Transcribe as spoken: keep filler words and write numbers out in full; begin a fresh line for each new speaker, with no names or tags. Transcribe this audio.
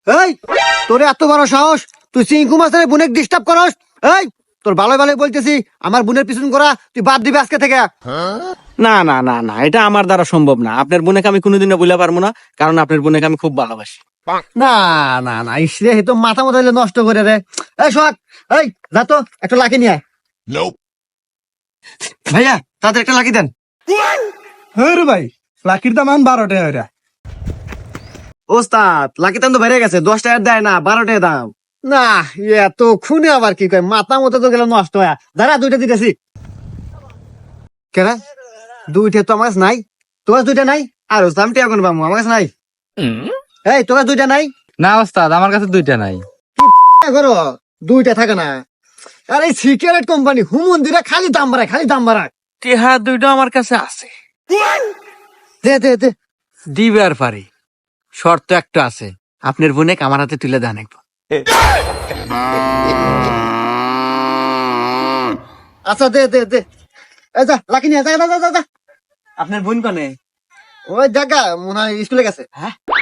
এই তোর এত বড় সাহস, তুই চিঙ্কু মাছের বোনের ডিস্টার্ব করস? এই তোর ভালো ভালো বলতেছি, আমার বোনের পিছন করা তুই বাদ দিবি আজকে থেকে।
না না না না, এটা আমার দ্বারা সম্ভব না। আপনার বোনকে আমি কোনোদিনও বলে পারবো না, কারণ আপনার বোনকে আমি খুব ভালোবাসি।
না না না, ইসরে তো মাথা মতো নষ্ট করে রে। এই সোহাগ, এই যা তো একটা লাকি নিয়ে আয়। ভাইয়া তাদের একটা লাকি দেন।
হ্যাঁ রে ভাই, লাকির দাম এখন বারো টাকা ওইটা।
ওস্তাদ লাকি দাম তো বেড়ে গেছে, দশ টাকার দেয় না, বারো টাকা দাম। না এত খুনে আবার কি কয়, মাথা মতো তো গেল নষ্ট হয়ে। দাঁড়া দুইটা দিতেছি। কেন দুইটা তো আমার কাছে নাই? তোমার দুইটা নাই? আর দামটি এখন পাবো, আমার কাছে নাই। এই তোমার দুইটা নাই?
না ওস্তাদ, আমার কাছে দুইটা নাই।
করো দুইটা থাকে না। আর এই সিগারেট কোম্পানি হুমন্দিরা খালি দাম বাড়ায়, খালি দাম বাড়ায়।
টেহা দুইটা আমার কাছে আছে,
দে দে দে।
দিবে আর পারি। শর্ত একটা আছে, আপনার বোনেকে আমার হাতে তুলে দেন একবার।
আচ্ছা দে দে দে। এই যা লাকি নিয়ে যা যা যা যা।
আপনার বোন কনে?
ওই জায়গা মনে হয় স্কুলে গেছে।
হ্যাঁ